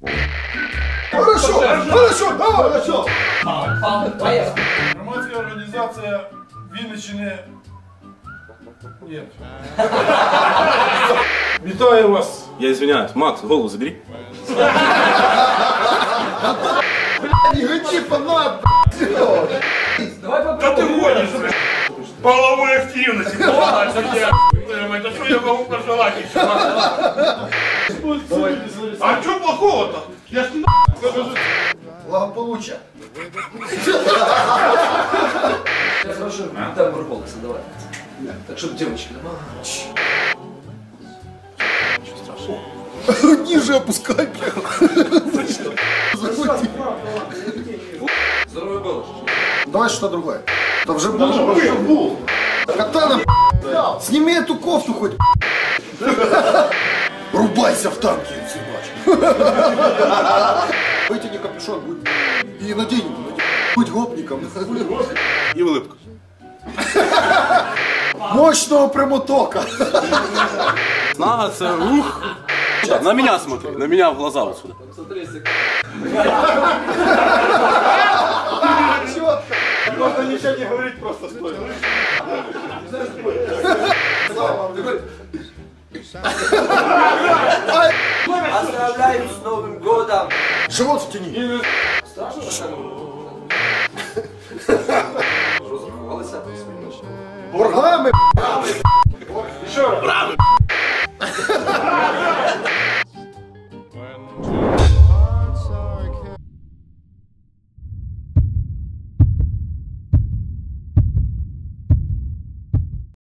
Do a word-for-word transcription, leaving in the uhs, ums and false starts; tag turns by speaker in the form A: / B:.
A: Хорошо, хорошо, давай, хорошо.
B: Громадська організація Вінниччини. Ні. Вітаю вас.
C: Я извиняюсь. Макс, голову забери.
A: Не гачи по нам,
B: Давай попробуем. Да ты гонишь, блядь. Половой активности. Это что я могу пожелать еще? А что плохого-то? Я ж не
A: благополучия.
D: Хорошо, там голос, давай. Так, чтобы девочки.
C: Ничего страшного.
A: Ниже опускай.
D: Здоровый голос.
A: Давай что-то другое. Это уже был. Катана, сними эту кофту хоть. Рубайся в танке, съебач. Вытяни капюшон, будь. И надень его, надень. Будь гопником.
C: И улыбку.
A: Мощного прямотока.
C: Снага, це ух. На меня смотри, на меня в глаза вот сюда.
B: Можно ничего не говорить, просто стой.
D: Поздравляю с Новым годом!
A: Живот втяни.
D: Страшно?
A: Бургами.